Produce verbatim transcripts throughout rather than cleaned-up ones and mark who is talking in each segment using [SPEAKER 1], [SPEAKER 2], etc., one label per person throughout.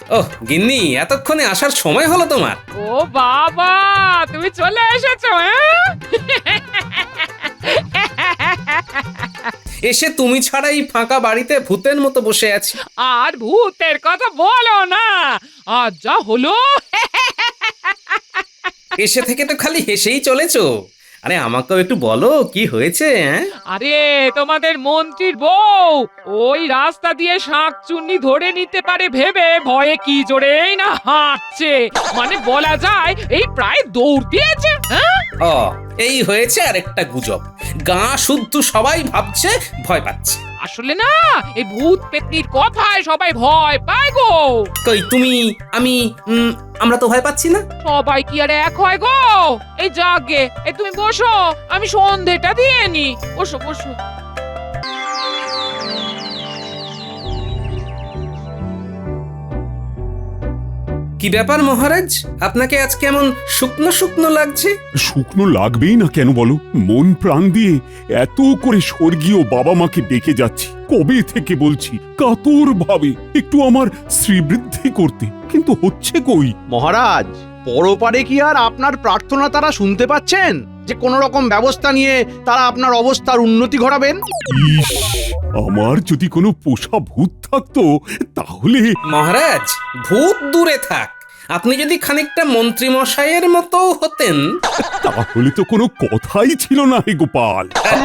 [SPEAKER 1] ওহ গিন্নি, এতক্ষণে আসার সময় হলো তোমার?
[SPEAKER 2] ও বাবা, তুমি চলে এসেছো? হ্যাঁ,
[SPEAKER 1] এসে তুমি ছাড়া এই ফাঁকা বাড়িতে ভূতের মতো বসে আছি।
[SPEAKER 2] আর ভূতের কথা বলো না, আজ যা হলো।
[SPEAKER 1] এসে থেকে তো খালি হেসেই চলেছো। আরে আমাকেও একটু বলো, কি হয়েছে? হ্যাঁ,
[SPEAKER 2] আরে তোমাদের মন্ত্রীর বউ ওই রাস্তা দিয়ে শাঁকচুন্নি ধরে নিতে পারে ভেবে ভয়ে কি জোরেই না হাঁটছে, মানে বলা যায় এই প্রায় দৌড় দিয়েছে। হ্যাঁ,
[SPEAKER 1] ও এই হয়েছে আরেকটা গুজব। গা শুদ্ধ সবাই ভাবছে ভয় পাচ্ছে।
[SPEAKER 2] আসলে না, এই ভূত পেতনির কথায় সবাই ভয় পায় গো।
[SPEAKER 1] কই তুমি, আমি, উম, আমরা তো ভয় পাচ্ছি না।
[SPEAKER 2] সবাই কি আর এক হয় গো? এই যাগে, এই তুমি বসো, আমি সন্ধেটা দিয়ে নি। বসো বসো।
[SPEAKER 1] কি ব্যাপার মহারাজ, আপনাকে আজ কেমন শুকনো শুকনো লাগছে?
[SPEAKER 3] শুকনো লাগবেই না কেন বলো? মন প্রাণ দিয়ে এত করে স্বর্গীয় বাবা মাকে ডেকে যাচ্ছি, কবে থেকে বলছি কাতর ভাবে একটু আমার শ্রীবৃদ্ধি করতে, কিন্তু হচ্ছে কই?
[SPEAKER 4] মহারাজ, পরপারে কি আর আপনার প্রার্থনা তারা শুনতে পাচ্ছেন যে কোন রকম ব্যবস্থা নিয়ে তারা আপনার অবস্থার উন্নতি ঘটাবেন?
[SPEAKER 3] ইস, আমার যদি কোনো পোষা ভূত থাকতো তাহলে।
[SPEAKER 1] মহারাজ, ভূত দূরে থাক, আপনি যদি খানিকটা মন্ত্রী মশাইয়ের মতো হতেন।
[SPEAKER 3] তাহলে তো কোনো কথাই ছিল না হে গোপাল।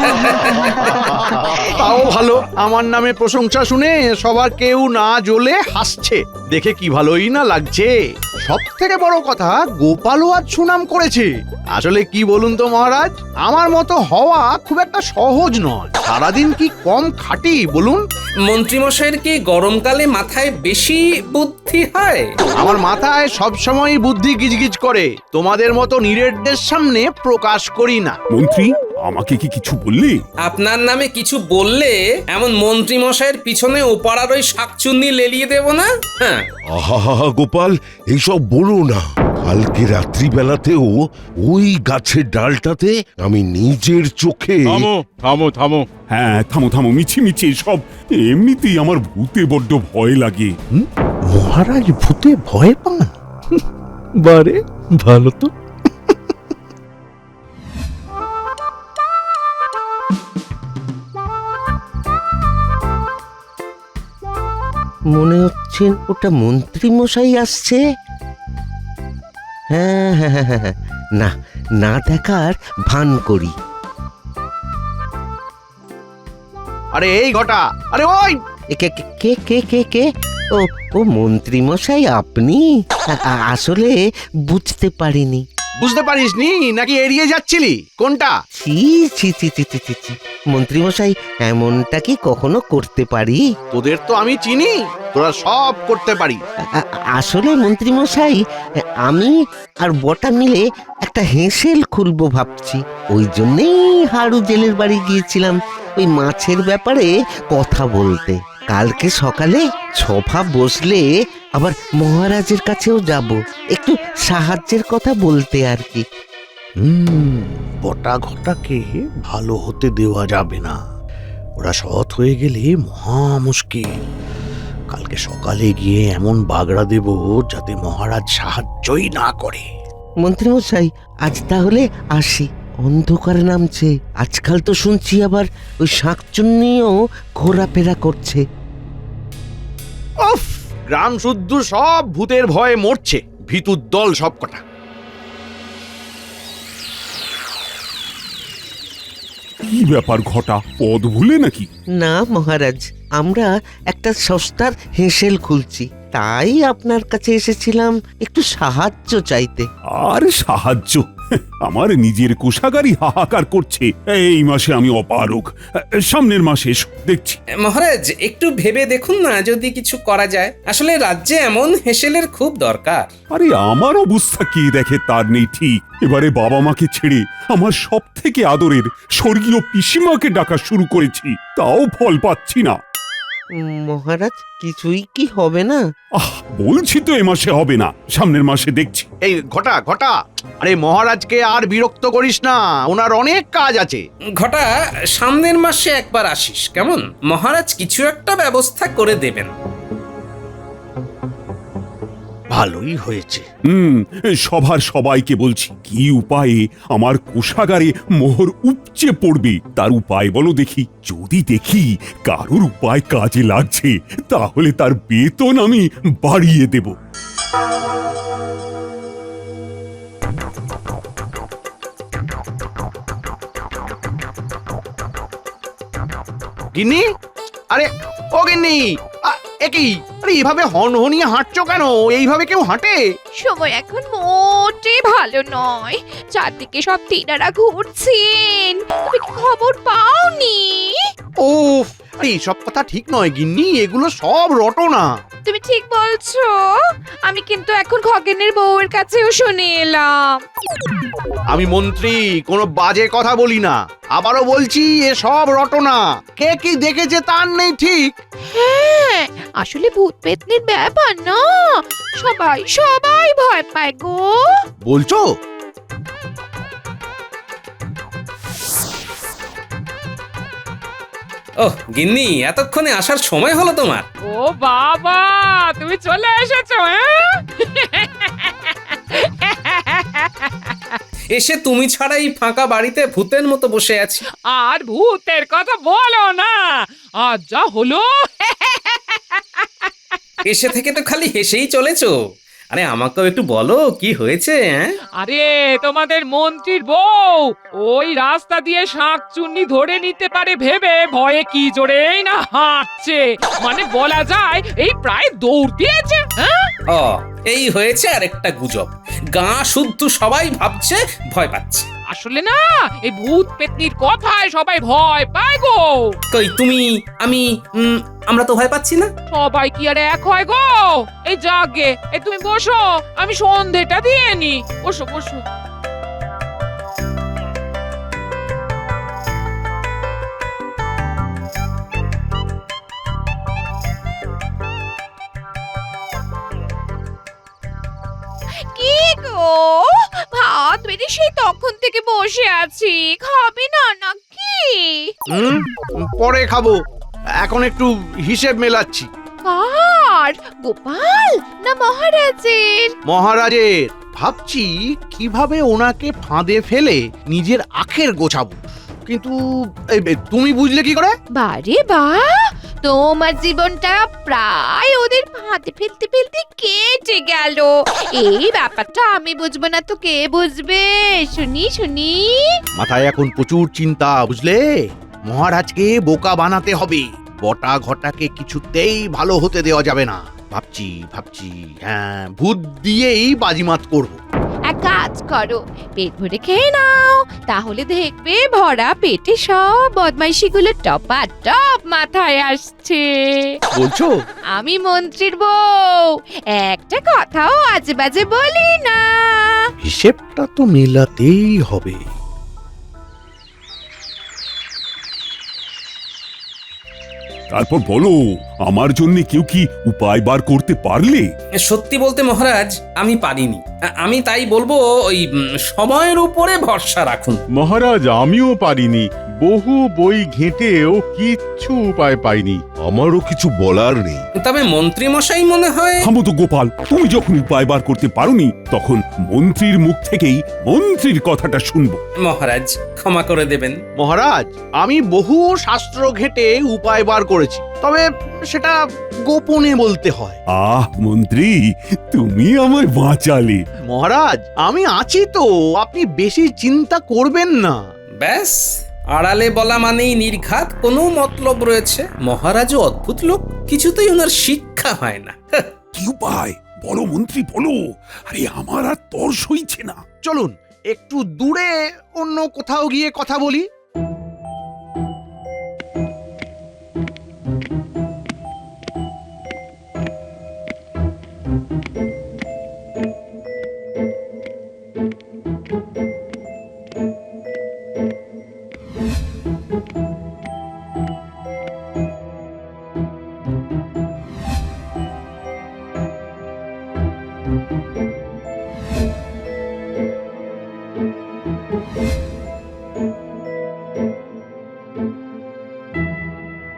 [SPEAKER 4] তাও ভালো, আমার নামে প্রশংসা শুনে সবার কেউ না জ্বলে হাসছে, দেখে কি ভালোই না লাগছে। সব থেকে বড় কথা, গোপালও আজ সুনাম করেছে। আসলে কি বলুন তো মহারাজ, আমার মতো হওয়া খুব একটা সহজ নয়। সারাদিন কি কম খাটি বলুন?
[SPEAKER 1] মন্ত্রী মশাইয়ের কি গরমকালে মাথায় বেশি বুদ্ধি হয়?
[SPEAKER 4] আমার মাথায় সবসময় বুদ্ধি গিজগিজ করে, তোমাদের মতো নিরেটদের সামনে প্রকাশ করি না।
[SPEAKER 3] মন্ত্রী, আমাকে কি কিছু বললি?
[SPEAKER 1] আপনার নামে কিছু বললে এমন মন্ত্রী মশাইয়ের পিছনে ওপাড়ার ওই শাকচুন্নি লেলিয়ে দেব না। হ্যাঁ,
[SPEAKER 5] আহা গোপাল, এইসব বলো না। কালকে রাত্রিবেলাতেও ওই গাছের ডালটাতে আমি নিজের চোখে।
[SPEAKER 6] থামো থামো থামো
[SPEAKER 3] হ্যাঁ, থামো থামো, মিছি মিছি সব। এমনিতেই আমার ভূতে বড্ড ভয় লাগে।
[SPEAKER 4] মহারাজ ভূতে ভয় পান? বারে ভালো তো।
[SPEAKER 7] মনে হচ্ছে ওটা মন্ত্রী মশাই আসছে। হ্যাঁ হ্যাঁ হ্যাঁ হ্যাঁ, না না দেখার ভান করি।
[SPEAKER 4] আরে এই ঘটা, আরে ওই
[SPEAKER 7] এ কে কে- কে কে কে কে ও ও মন্ত্রী মশাই আপনি? আ- আ- আসলে বুঝতে পারিনি।
[SPEAKER 4] বুঝতে পারিসনি নাকি এড়িয়ে যাচ্ছিলি? কোনটা?
[SPEAKER 7] ছি ছি ছি ছি ছি ছি ছি। মন্ত্রী মশাই এমনটা কি কখনো করতে পারি?
[SPEAKER 4] তোদের তো আমি চিনি, তোরা সব করতে পারি।
[SPEAKER 7] আ- আ- আসলে মন্ত্রী মশাই, আমি আর বটা মিলে একটা হেঁসেল খুলবো ভাবছি। ওই জন্যেই হাড়ু জেলের বাড়ি গিয়েছিলাম ওই মাছের ব্যাপারে কথা বলতে। কালকে সকালে সভা বসলে আবার মহারাজের কাছেও যাব, একটু সাহায্যের কথা বলতে আর কি।
[SPEAKER 4] হুম, বটা ঘটাকে ভালো হতে দেওয়া যাবে না। ওরা সৎ হয়ে গেলে মহা মুশকিল। কালকে সকালে গিয়ে এমন বাগড়া দেব যাতে মহারাজ সাহায্যই না করে।
[SPEAKER 7] মন্ত্রী মশাই, আজ তাহলে আসি। অন্ধকার নামছে, আজকাল তো শুনছি আবার ওই শাঁকচুন্নিও ঘোরাফেরা করছে।
[SPEAKER 4] উফ, গ্রাম শুদ্ধ সব ভূতের ভয়ে মরছে, ভিতুর দল সব কটা।
[SPEAKER 3] কি ব্যাপার ঘটা, পদ ভুলে নাকি?
[SPEAKER 7] না মহারাজ, আমরা একটা সস্তার হেঁসেল খুলছি, তাই আপনার কাছে এসেছিলাম একটু সাহায্য চাইতে।
[SPEAKER 3] আর সাহায্য? আমার নিজের কোষাগারই হাহাকার করছে। এই মাসে আমি অপারগ, সামনের মাসে এসো, দেখছি।
[SPEAKER 1] মহারাজ একটু ভেবে দেখুন না যদি কিছু করা যায়। আসলে রাজ্যে এমন হেসেলের খুব দরকার।
[SPEAKER 3] আরে আমার অবস্থা কি দেখে তার নেই ঠিক। এবারে বাবা মাকে ছেড়ে আমার সব থেকে আদরের স্বর্গীয় পিসিমাকে ডাকা শুরু করেছি, তাও ফল পাচ্ছি না।
[SPEAKER 7] মহারাজ, কিছুই কি হবে না?
[SPEAKER 3] আহ, বলছি তো এ মাসে হবে না, সামনের মাসে দেখছি।
[SPEAKER 4] এই ঘটা ঘটা, আরে মহারাজকে আর বিরক্ত করিস না, ওনার অনেক কাজ আছে।
[SPEAKER 1] ঘটা, সামনের মাসে একবার আসিস কেমন? মহারাজ কিছু একটা ব্যবস্থা করে দেবেন।
[SPEAKER 4] ভালোই হয়েছে।
[SPEAKER 3] হুম সভার সবাইকে বলছি কি উপায়ে আমার কোষাগারে মোহর উপচে পড়বে তার উপায় বলো দেখি। যদি দেখি কারোর উপায় কাজে লাগছে তাহলে তার বেতন আমি বাড়িয়ে দেব।
[SPEAKER 4] গিন্নি, আরে ও গিন্নি, আ, এ কি? আরে এইভাবে হনহনিয়ে হাঁটছো কেন? এইভাবে কেউ হাঁটে?
[SPEAKER 6] সময় এখন মোটে ভালো নয়, চারদিকে সব তিনারা ঘুরছেন, তুমি কি খবর পাওনি?
[SPEAKER 4] ওফ, আরে এইসব কথা ঠিক নয় গিন্নি, এগুলো সব রটনা।
[SPEAKER 6] তুমি ঠিক বলছো, আমি কিন্তু এখন খগেনের বউয়ের কাছেও শুনে এলাম।
[SPEAKER 4] আমি মন্ত্রী, কোনো বাজে কথা বলি না। আবারও বলছি এ সব রটনা। কে কি দেখেছে তার নেই ঠিক।
[SPEAKER 6] হ্যাঁ, আসলে ভূত পেতনির ব্যাপার না, সবাই সবাই ভয় পায় গো।
[SPEAKER 4] বলছো?
[SPEAKER 1] ওহ গিন্নি, এতক্ষণে আসার সময় হলো তোমার?
[SPEAKER 2] ও বাবা, তুমি চলে এসেছো হ্যাঁ?
[SPEAKER 1] এসে তুমি ছাড়া এই ফাঁকা বাড়িতে ভূতের মতো বসে আছি।
[SPEAKER 2] আর ভূতের কথা বলো না, আজ যা হলো।
[SPEAKER 1] এসে থেকে তো খালি হেসেই চলেছো। আরে আমাকেও একটু বলো কি হয়েছে? হ্যাঁ
[SPEAKER 2] আরে তোমাদের মন্ত্রীর বউ ওই রাস্তা দিয়ে শাঁকচুন্নি ধরে নিতে পারে ভেবে ভয়ে কি জোরেই না হাঁটছে, মানে বলা যায় এই প্রায় দৌড় দিয়েছে। হ্যাঁ,
[SPEAKER 1] ও এই হয়েছে আরেকটা গুজব। গা শুদ্ধ সবাই ভাবছে ভয় পাচ্ছে।
[SPEAKER 2] আসলে না, এই ভূত পেতনির কথায় সবাই ভয় পায় গো।
[SPEAKER 1] কই তুমি, আমি, উম, আমরা তো ভয় পাচ্ছি না।
[SPEAKER 2] সবাই কি আর এক হয় গো? এই জাগে, এই তুমি বসো, আমি সন্ধেটা দিয়ে নি। বসো বসো।
[SPEAKER 6] কি গো, ভাত বেড়ে সেই তখন থেকে বসে আছি, খাবে না নাকি?
[SPEAKER 4] হুম, পরে খাবো, এখন একটু হিসেব মেলাচ্ছি।
[SPEAKER 6] কার, গোপাল না মহারাজের?
[SPEAKER 4] মহারাজের। ভাবছি কিভাবে ওনাকে ফাঁদে ফেলে নিজের আখের গোছাবো, কিন্তু এই বে, তুমি বুঝলে কি করে?
[SPEAKER 6] বারে বা, তোমার জীবনটা প্রায় ওদের ফাঁদে ফেলতে ফেলতে কেটে গেল। এই ব্যাপারটা আমি বুঝবো না তো কে বুঝবে? শুনি শুনি।
[SPEAKER 4] মাথায় এখন প্রচুর চিন্তা, বুঝলে? মহারাজকে বোকা বানাতে হবে। বটা ঘটাকে কিছুতেই ভালো হতে দেওয়া যাবে না। ভাবছি ভাবছি হ্যাঁ, ভূত দিয়েই বাজিমাত করব।
[SPEAKER 6] এক কাজ করো, পেট ভরে খেয়ে নাও, তাহলে দেখবে ভরা পেটে সব বদমাইশিগুলো টপা টপ মাথায় আসছে।
[SPEAKER 4] বলছো?
[SPEAKER 6] আমি মন্ত্রীর বউ, একটা কথাও আজে বাজে বলি না।
[SPEAKER 4] হিসেবটা তো মেলাতেই হবে।
[SPEAKER 3] তারপর বলো আমার জন্য কেউ কি উপায় বার করতে পারলে?
[SPEAKER 1] সত্যি বলতে মহারাজ, আমি পারিনি। আ- আমি তাই বলবো ওই উম, সময়ের উপরে ভরসা রাখুন।
[SPEAKER 8] মহারাজ আমিও পারিনি, বহু বই ঘেঁটেও কিচ্ছু উপায় পাইনি।
[SPEAKER 5] আমারও কিছু বলার নেই।
[SPEAKER 1] তবে মন্ত্রী মশাই মনে হয়।
[SPEAKER 3] থামো তো গোপাল, তুমি যখন উপায় বার করতে পারোনি তখন মন্ত্রীর মুখ থেকেই মন্ত্রীর কথাটা শুনবো।
[SPEAKER 1] মহারাজ ক্ষমা করে দেবেন।
[SPEAKER 4] মহারাজ, আমি বহু শাস্ত্র ঘেটে উপায় বার করেছি, তবে সেটা গোপনে বলতে হয়।
[SPEAKER 3] আহ মন্ত্রী, তুমি আমায় বাঁচালে।
[SPEAKER 4] মহারাজ আমি আছি তো, আপনি বেশি চিন্তা করবেন না।
[SPEAKER 1] ব্যাস, আড়ালে বলা মানেই নির্ঘাত কোনো মতলব রয়েছে। মহারাজও অদ্ভুত লোক, কিছুতেই ওনার শিক্ষা হয় না। হাহ,
[SPEAKER 3] কি উপায় বলো মন্ত্রী বলো, আরে আমার আর তর সইছে না।
[SPEAKER 4] চলুন একটু দূরে অন্য কোথাও গিয়ে কথা বলি।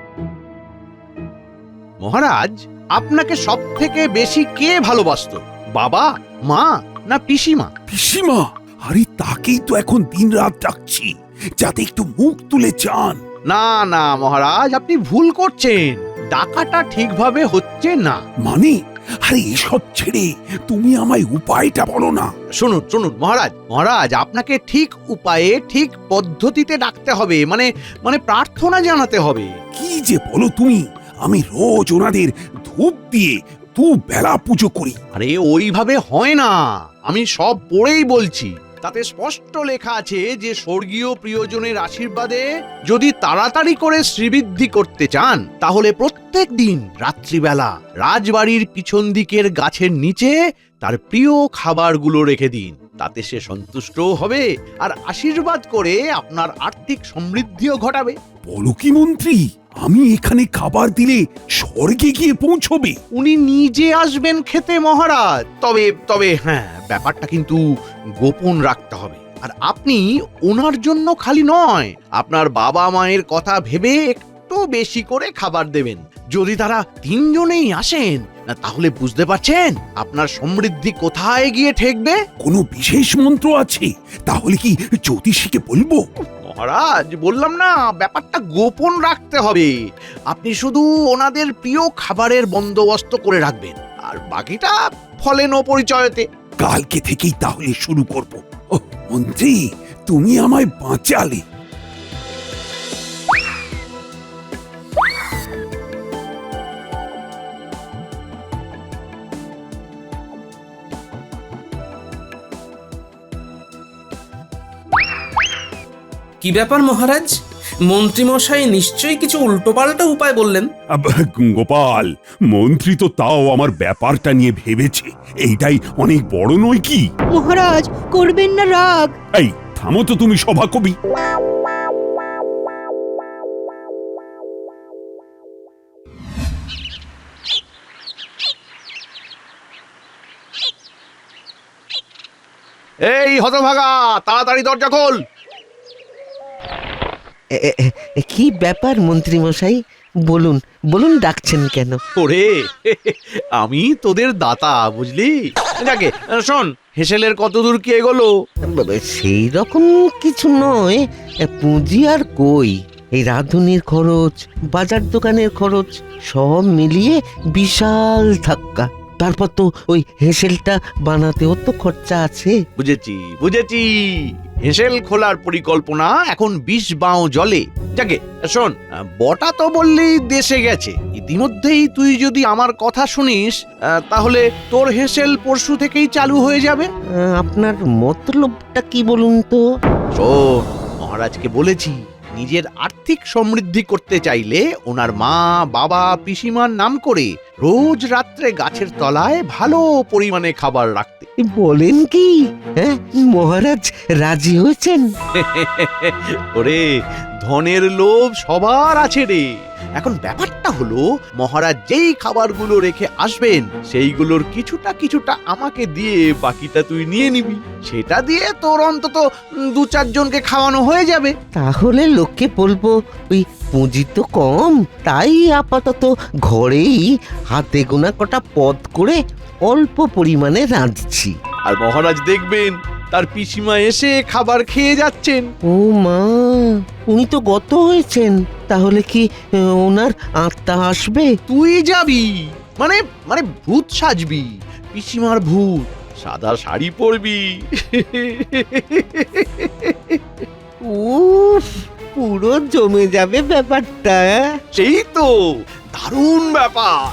[SPEAKER 4] মহারাজ, আপনাকে সব থেকে বেশি কে ভালোবাসতো? বাবা, মা না পিসিমা?
[SPEAKER 3] পিসিমা, আরে তাকেই তো এখন দিন রাত ডাকছি, যাতে একটু মুখ তুলে চান।
[SPEAKER 4] না না মহারাজ, আপনি ভুল করছেন। ডাকাটা ঠিকভাবে হচ্ছে না।
[SPEAKER 3] মানে, আরে এসব ছেড়ে তুমি আমায় উপায়টা বলো না।
[SPEAKER 4] শুনুন শুনুন মহারাজ, মহারাজ আপনাকে ঠিক উপায়ে ঠিক পদ্ধতিতে ডাকতে হবে, মানে মানে প্রার্থনা জানাতে হবে।
[SPEAKER 3] কি যে বলো তুমি, আমি রোজ ওনাদের ধূপ দিয়ে দু বেলা পুজো করি।
[SPEAKER 4] আরে ওইভাবে হয় না, আমি সব পড়েই বলছি। তাতে স্পষ্ট লেখা আছে যে স্বর্গীয় প্রিয়জনের আশীর্বাদে যদি তাড়াতাড়ি করে শ্রীবৃদ্ধি করতে চান, তাহলে প্রত্যেক দিন রাত্রিবেলা রাজবাড়ির পিছন দিকের গাছের নিচে তার প্রিয় খাবারগুলো রেখে দিন। তাতে সে সন্তুষ্টও হবে আর আশীর্বাদ করে আপনার আর্থিক সমৃদ্ধিও ঘটাবে।
[SPEAKER 3] বলো কি মন্ত্রী, আমি এখানে খাবার দিলে স্বর্গে গিয়ে পৌঁছবে?
[SPEAKER 4] উনি নিজে আসবেন খেতে মহারাজ। তবে তবে হ্যাঁ, ব্যাপারটা কিন্তু গোপন রাখতে হবে। আর আপনি ওনার জন্য খালি নয়, আপনার বাবা মায়ের কথা ভেবে একটু বেশি করে খাবার দেবেন। যদি তারা তিনজনেই আসেন, না তাহলে বুঝতে পারছেন আপনার সমৃদ্ধি কোথায় গিয়ে ঠেকবে।
[SPEAKER 3] কোনো বিশেষ মন্ত্র আছে? তাহলে কি জ্যোতিষীকে বলবো?
[SPEAKER 4] মহারাজ, বললাম না, ব্যাপারটা গোপন রাখতে হবে। আপনি শুধু ওনাদের প্রিয় খাবারের বন্দোবস্ত করে রাখবেন, আর বাকিটা ফলেন ও পরিচয়তে।
[SPEAKER 3] কালকে থেকেই তাহলে শুরু করব। ও মন্ত্রী, তুমি আমায় বাঁচালে।
[SPEAKER 1] কি ব্যাপার মহারাজ, মন্ত্রীমশাই নিশ্চয়ই কিছু উল্টোপাল্টা উপায় বললেন।
[SPEAKER 3] আব, গোপাল, মন্ত্রী তো তাও আমার ব্যাপারটা নিয়ে ভেবেছে। এইটাই অনেক বড় নয় কি?
[SPEAKER 9] মহারাজ, করবেন না রাগ।
[SPEAKER 3] এই থামো তো তুমি সভাকবি।
[SPEAKER 4] এই হতভাগা, তাড়াতাড়ি দরজা খোল।
[SPEAKER 7] এ, এ, এ, কি ব্যাপার মন্ত্রী মশাই, বলুন বলুন, ডাকছেন কেন?
[SPEAKER 4] ওরে, আমি তোদের দাতা, বুঝলি? যাকে শোন, হেসেলের কত দূর কি এগোলো?
[SPEAKER 7] সেই রকম কিছু নয়, এ, পুঁজি আর কই। এই রাঁধুনির খরচ, বাজার দোকানের খরচ সব মিলিয়ে বিশাল ধাক্কা। তারপর তো ওই হেসেলটা বানাতেও তো খরচা আছে।
[SPEAKER 4] বুঝেছি বুঝেছি, হেসেল খোলার পরিকল্পনা এখন বিষ বাও জলে। যাকে শোন, বটা তো বললি দেশে গেছে। ইতিমধ্যেই তুই যদি আমার কথা শুনিস, আহ, তাহলে তোর হেসেল পরশু থেকেই চালু হয়ে যাবে।
[SPEAKER 7] আহ, আপনার মতলবটা কি বলুন তো?
[SPEAKER 4] শোন, মহারাজকে বলেছি, নিজের আর্থিক সমৃদ্ধি করতে চাইলে ওনার মা, বাবা, পিসিমার নাম করে রোজ রাত্রে গাছের তলায় ভালো পরিমাণে খাবার রাখতে।
[SPEAKER 7] বলেন কি? হ্যাঁ, মহারাজ রাজি হয়েছেন?
[SPEAKER 4] ওরে, ধনের লোভ সবার আছে রে। এখন ব্যাপারটা হলো, মহারাজ যেই খাবারগুলো রেখে আসবেন সেইগুলোর কিছুটা কিছুটা আমাকে দিয়ে বাকিটা তুই নিয়ে নিবি। সেটা দিয়ে তোর অন্তত দু চারজনকে খাওয়ানো হয়ে যাবে।
[SPEAKER 7] তাহলে লোককে বলবো ওই পুঁজি তো কম, তাই আপাতত ঘরেই হাতে গোনা কটা পদ করে অল্প পরিমাণে রাঁধছি।
[SPEAKER 4] আর মহারাজ দেখবেন তার পিসিমা এসে খাবার খেয়ে যাচ্ছেন।
[SPEAKER 7] ও মা, উনি তো গত হয়েছেন, তাহলে কি আহ, ওনার আত্মা আসবে?
[SPEAKER 4] তুই যাবি মানে মানে ভূত সাজবি, পিসিমার ভূত, সাদা শাড়ি পরবি।
[SPEAKER 7] উফ, পুরো জমে যাবে ব্যাপারটা।
[SPEAKER 4] সেই তো দারুণ ব্যাপার।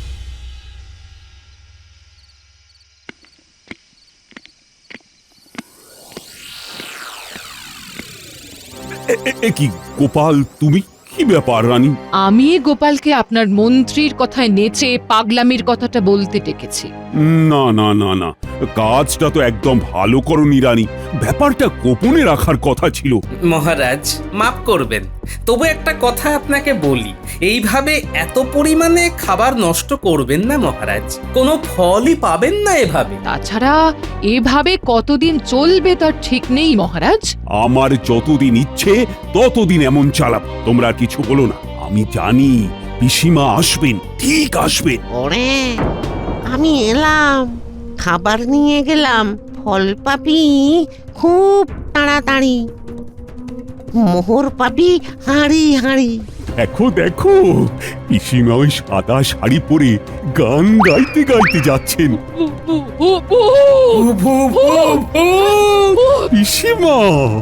[SPEAKER 3] এ- এ- এ কি গোপাল, তুমি? কি ব্যাপার রানী?
[SPEAKER 2] আমি গোপালকে আপনার মন্ত্রীর কথায় নেচে পাগলামির কথাটা বলতে ডেকেছি।
[SPEAKER 3] না না না না, কাজটা তো একদম ভালো করনি রানী। ব্যাপারটা গোপনে রাখার কথা ছিল।
[SPEAKER 1] মহারাজ মাফ করবেন, তবু একটা কথা আপনাকে বলি, এইভাবে এত পরিমাণে খাবার নষ্ট করবেন না মহারাজ, কোনো ফলই পাবেন না এভাবে।
[SPEAKER 2] তাছাড়া এভাবে কতদিন চলবে তার ঠিক নেই মহারাজ।
[SPEAKER 3] আমার যতদিন ইচ্ছে ততদিন এমন চালাব। তোমরা আর কিছু বলো না, আমি জানি পিসিমা আসবেন, ঠিক আসবেন।
[SPEAKER 7] ওরে, আমি এলাম, খাবার নিয়ে গেলাম, ফল পাবি খুব তাড়াতাড়ি, মোহর পাবি হাঁড়ি হাঁড়ি।
[SPEAKER 3] দেখো দেখো পিসিমা ওই সাদা শাড়ি পরে গান গাইতে গাইতে যাচ্ছেন।
[SPEAKER 2] ভূ, ভূ, ভূ, ভূ।
[SPEAKER 1] ভূ, ভূ, ভূ, ভূ।
[SPEAKER 3] পিসিমা,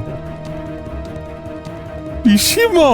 [SPEAKER 3] পিসিমা,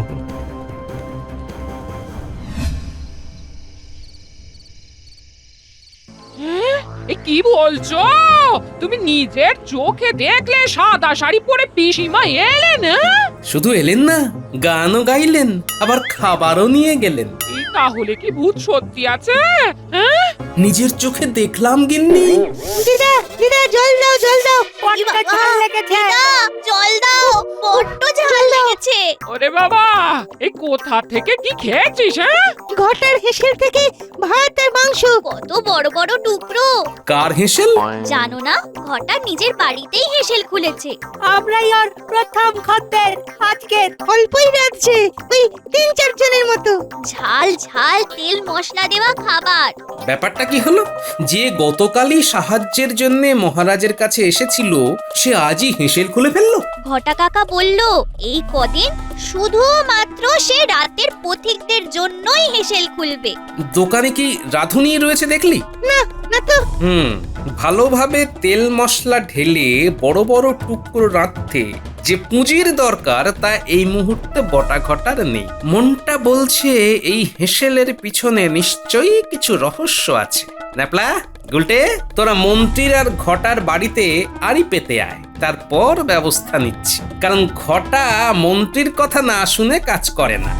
[SPEAKER 2] হ্যাঁ? এ কি বলছো? তুমি নিজের চোখে দেখলে সাদা শাড়ি পরে পিসিমা এলেন? হ্যাঁ?
[SPEAKER 1] শুধু এলেন না, গানও গাইলেন, আবার খাবারও নিয়ে গেলেন।
[SPEAKER 2] এই তাহলে কি ভূত সত্যি আছে? হ্যাঁ?
[SPEAKER 1] নিজের চোখে দেখলাম গিন্নি।
[SPEAKER 9] দিদা দিদা জল দাও জল দাও বড্ড ঝাল লেগেছে।
[SPEAKER 6] জল দাও, বড্ড ঝাল লেগেছে।
[SPEAKER 2] ওরে বাবা, এই কোথা থেকে কি খেয়েছিস? হ্যাঁ?
[SPEAKER 9] ঘটার হেসেল থেকে ভাত আর মাংস।
[SPEAKER 6] কত বড় বড় টুকরো।
[SPEAKER 1] কার হেসেল?
[SPEAKER 6] জানো না, ঘটা নিজের বাড়িতেই হেসেল খুলেছে।
[SPEAKER 9] আমরাই আর প্রথম খদ্দের, আজকে অল্পই রাখছে, ওই তিন চার জনের মতো।
[SPEAKER 6] ঝাল ঝাল তেল মশলা দেওয়া খাবার।
[SPEAKER 1] ব্যাপারটা কি হলো? যে গতকালই সাহায্যের জন্য মহারাজের কাছে এসেছিল, সে আজই হেসেল খুলে ফেললো।
[SPEAKER 6] ঘটা কাকা বলল এই কদিন শুধুমাত্র সে রাতের পথিকদের জন্যই হেসেল খুলবে।
[SPEAKER 1] দোকানে কি রাঁধুনি রয়েছে দেখলি?
[SPEAKER 9] না না তো।
[SPEAKER 1] হুম, ভালোভাবে তেল মশলা ঢেলে বড় বড় টুকরো রাঁধতে যে পুঁজির দরকার তা এই মুহূর্তে বটা ঘটার নেই। মনটা বলছে এই হেসেলের পিছনে নিশ্চয়ই কিছু রহস্য আছে। ন্যাপলা, গুলটে, তোরা মন্ত্রীর আর ঘটার বাড়িতে আড়ি পেতে আয়, তারপর ব্যবস্থা নিচ্ছি। কারণ ঘটা মন্ত্রীর কথা না শুনে কাজ করে না।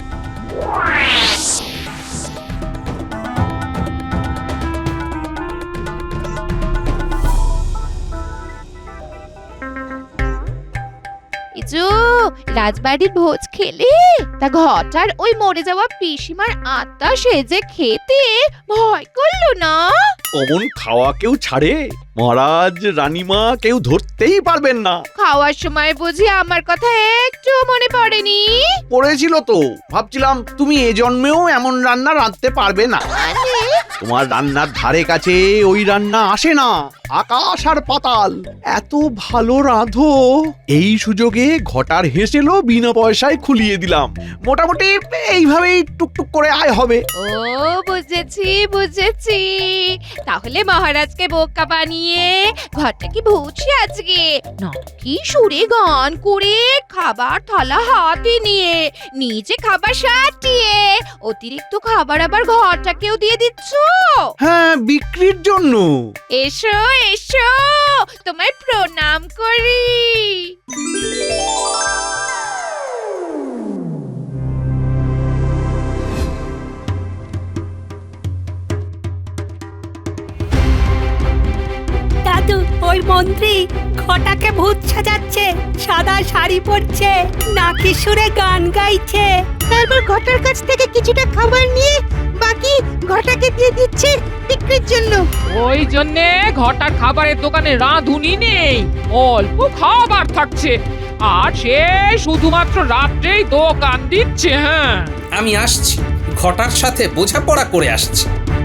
[SPEAKER 6] ইজু, রাজবাড়ির ভোজ খেলে? তা ঘটার ওই মরে যাওয়া পিসিমার আত্মা সেজে খেতে ভয় করলো না?
[SPEAKER 4] অমন খাওয়া কেউ ছাড়ে? মহারাজ রানীমা কেউ ধরতেই পারবেন না।
[SPEAKER 6] খাওয়ার সময় বুঝি আমার কথা একটু মনে পড়েনি?
[SPEAKER 4] পড়েছিল তো, ভাবছিলাম তুমি এ জন্মেও এমন রান্না রাঁধতে পারবে না।
[SPEAKER 6] মানে
[SPEAKER 4] তোমার রান্নার ধারে কাছে ওই রান্না আসে না। আকাশ আর পাতাল, এত ভালো রাঁধো। এই সুযোগে ঘটার হেসেলও বিনা পয়সায় খুলিয়ে দিলাম। মোটামুটি এইভাবেই টুকটুক করে আয় হবে।
[SPEAKER 6] ও বুঝেছি বুঝেছি। তাহলে মহারাজকে বোকা বানিয়ে ঘরটা কি ভুলছি আজকে নাকি সুরে গান করে খাবার থালা হাতে নিয়ে নিজে খাবার সাটিয়ে অতিরিক্ত খাবার আবার ঘরটাকেও দিয়ে দিচ্ছ?
[SPEAKER 4] হ্যাঁ, বিক্রির জন্য।
[SPEAKER 6] এসো এসো, তোমায় প্রণাম করি।
[SPEAKER 9] দাদু, ওই মন্ত্রী ঘটাকে ভূত সাজাচ্ছে, সাদা শাড়ি পরছে, নাকি সুরে গান গাইছে। তারপর ঘটার কাছ থেকে কিছুটা খাবার নিয়ে বাকি ঘটাকে দিয়ে দিচ্ছে বিক্রির জন্য।
[SPEAKER 2] ওই জন্যে ঘটার খাবারের দোকানে রাঁধুনি নেই, অল্প খাবার থাকছে, আর সে শুধুমাত্র রাত্রেই দোকান দিচ্ছে। হ্যাঁ,
[SPEAKER 1] আমি আসছি, ঘটার সাথে বোঝাপড়া করে আসছি।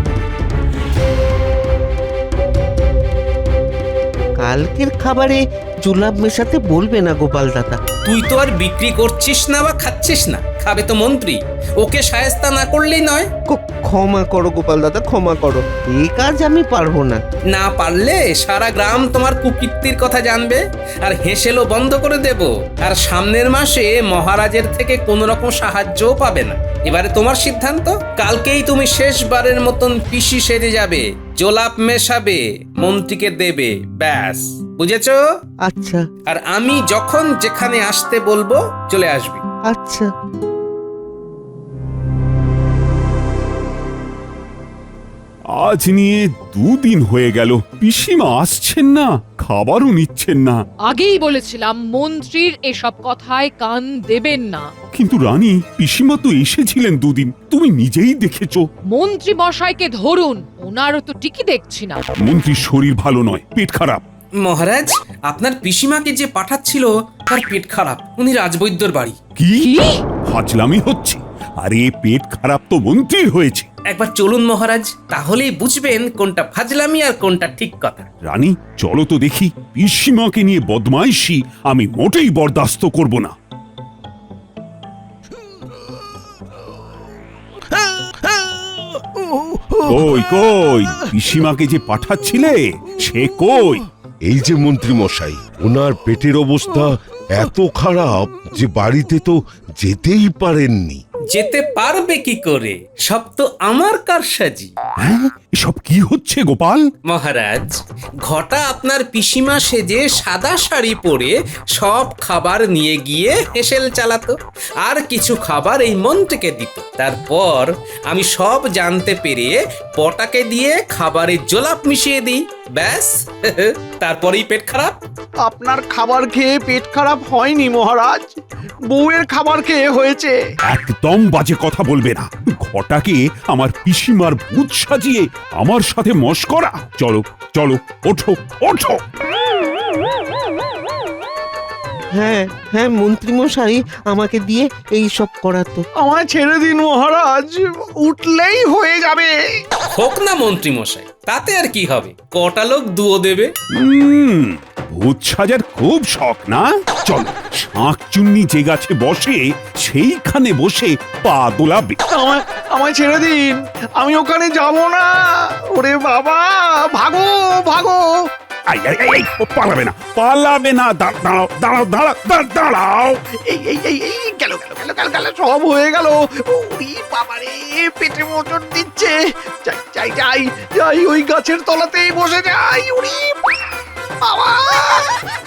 [SPEAKER 7] কালকের খাবারে জুলাপ মেশাতে বলবে না গোপাল দাদা।
[SPEAKER 1] তুই তো আর বিক্রি করছিস না বা খাচ্ছিস না, খাবে তো মন্ত্রী। ওকে শায়েস্তা না করলেই নয়।
[SPEAKER 7] ক- ক্ষমা করো গোপাল দাদা, ক্ষমা করো, এই কাজ আমি পারবো না।
[SPEAKER 1] না পারলে সারা গ্রাম তোমার কুকীর্তির কথা জানবে, আর হেসেলও বন্ধ করে দেব। আর সামনের মাসে মহারাজের থেকে কোনো রকম সাহায্যও পাবে না। এবারে তোমার সিদ্ধান্ত। কালকেই তুমি শেষবারের মতন পিসি সেরে যাবে, জোলাপ মেশাবে, মন্ত্রীকে দেবে, ব্যাস। বুঝেছো?
[SPEAKER 7] আচ্ছা
[SPEAKER 1] আর আমি যখন যেখানে আসতে বলবো চলে আসবি।
[SPEAKER 7] আচ্ছা।
[SPEAKER 3] আজ নিয়ে দুদিন হয়ে গেল, পিসিমা আসছেন না, খাবারও নিচ্ছেন না।
[SPEAKER 2] আগেই বলেছিলাম মন্ত্রীর এসব কথায় কান দেবেন না।
[SPEAKER 3] কিন্তু রানী, পিসিমা তো এসেছিলেন দুদিন, তুমি নিজেই দেখেছো।
[SPEAKER 2] মন্ত্রী মশাইকে ধরুন, ওনারও তো ঠিকই দেখছি না।
[SPEAKER 3] মন্ত্রীর শরীর ভালো নয়, পেট খারাপ।
[SPEAKER 1] মহারাজ, আপনার পিসিমাকে যে পাঠাচ্ছিল তার পেট খারাপ, উনি রাজবৈদ্যর বাড়ি।
[SPEAKER 3] কি ফাজলামি হচ্ছে? আরে পেট খারাপ তো মন্ত্রীর হয়েছে,
[SPEAKER 1] একবার চলুন মহারাজ, তাহলেই বুঝবেন কোনটা ফাজলামি আর কোনটা ঠিক কথা।
[SPEAKER 3] রানী চলো তো দেখি, পিসিমাকে নিয়ে বদমাইশি আমি মোটেই বরদাস্ত করব না। কই কই পিসিমাকে যে পাঠাচ্ছিলে সে কই?
[SPEAKER 5] এই যে মন্ত্রী মশাই, ওনার পেটের অবস্থা এত খারাপ যে বাড়িতে তো যেতেই পারেননি।
[SPEAKER 1] যেতে পারবে কি করে? সব তো আমার কারসাজি।
[SPEAKER 3] হ্যাঁ এসব কি হচ্ছে গোপাল?
[SPEAKER 1] মহারাজ, ঘটা আপনার পিসিমা সেজে সাদা শাড়ি পরে সব খাবার নিয়ে গিয়ে হেসেল চালাতো, আর কিছু খাবার এই মন্ত্রীকে দিত। তারপর আমি সব জানতে পেরে পটাকে দিয়ে খাবারে জোলাপ মিশিয়ে দিই, ব্যাস তারপরেই পেট খারাপ।
[SPEAKER 4] আপনার খাবার খেয়ে পেট খারাপ হয়নি মহারাজ, বউয়ের খাবার খেয়ে হয়েছে।
[SPEAKER 3] একদম বাজে কথা বলবে না। ঘটাকে আমার পিসিমার ভূত সাজিয়ে আমার সাথে মশকরা। চলো চলো, ওঠো ওঠো।
[SPEAKER 7] হ্যাঁ হ্যাঁ মন্ত্রী মশাই আমাকে দিয়ে এই সব করাতো।
[SPEAKER 4] আমায় ছেড়ে দিন মহারাজ, উঠলেই হয়ে যাবে।
[SPEAKER 1] হোক না মন্ত্রী মশাই, তাতে আর কি হবে, কটা লোক দুও দেবে।
[SPEAKER 3] হুম, ভূত সাজার খুব শখ না? চলো, শাঁখ চুন্নি যে গাছে বসে সেইখানে বসে পা দোলাবে।
[SPEAKER 4] আমায় আমায় ছেড়ে দিন, আমি ওখানে যাব না। ওরে বাবা, ভাগো ভাগো।
[SPEAKER 3] আই, আই, আই, আই, ও পালাবে না, পালাবে না। দা- দাঁড়াও দাঁড়াও দাঁড়াও দা- দাঁড়াও।
[SPEAKER 4] এই এই এই এই গেল গেল গেল গেল গেল, সব হয়ে গেল। ওরে বাবা রে, পেটে মোচড় দিচ্ছে। যাই যাই যাই যাই, ওই গাছের তলাতেই বসে যাই। ওরে বাবা।